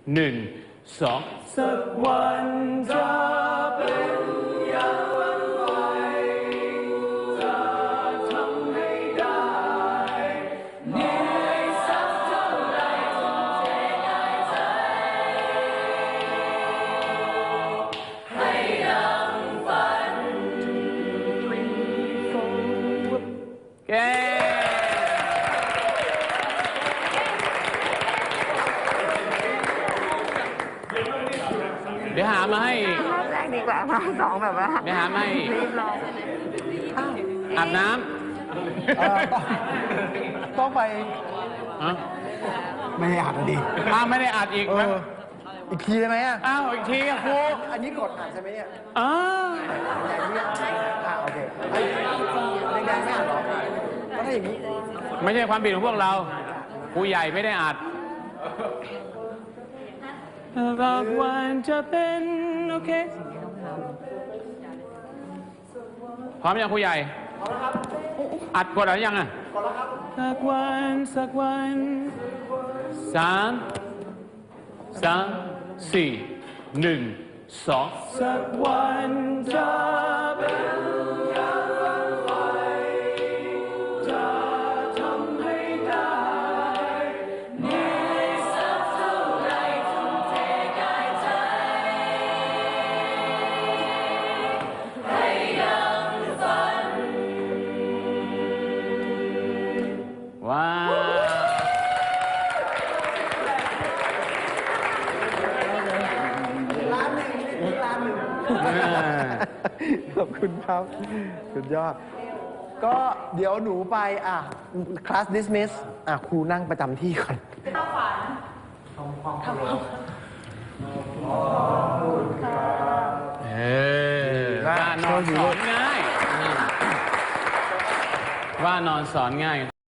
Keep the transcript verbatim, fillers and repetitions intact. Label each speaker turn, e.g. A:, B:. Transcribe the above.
A: หนึ่งสองสักวันจะเป็นอย่างวันไหวจะทำให้ได้เหนื่อยสักเท่าไรทุ่มเทกายใจให้ดังฝันเก่เดี๋ยวหามาให้
B: ภาพแรกดีกว่าภาพสองแบบว่า
A: เดี๋ยวหามาให้
B: รีบร้อง
A: อาบน้
C: ำต้องไปไม่ได้อัดดิ
A: อ้าวไม่ได้อัดอีกนะ
C: อีกทีได้ไหมอ่ะ
A: อ้าวอีกทีอ่ะครู
C: อันนี้กดอัดใช่ไหมเนี่ย
A: อ้า
C: อย่างนี้อ่าโอเคแดงๆไม่อัดหรอก็ถ้าอย่างนี้
A: ไม่ใช่ความผิดของพวกเราครูใหญ่ไม่ได้อัดสักวันจะเป็นโอเคพร้อมยังครูใหญ่พร้อมแล้วครับอัดกดอะไรยังอ่ะกดแล้วครับสักวันสักวันสามสามสี่หนึ่งสองสักวันจะเป็นอย่างวันไหวจะทำให้ได้เหนื่อยสักเท่าไรทุ่มเทกายใจให้ดังฝันว้าว
C: ร้านหนึ่งนี่ร้านหนึ่งขอบคุณครับสุดยอดก็เดี๋ยวหนูไปอ่ะคลาส dismiss อ่ะครูนั่งประจำที่ก่อนข้าวฝันทำความเคารพ
A: เออว่านอนสอนง่ายว่านอนสอนง่าย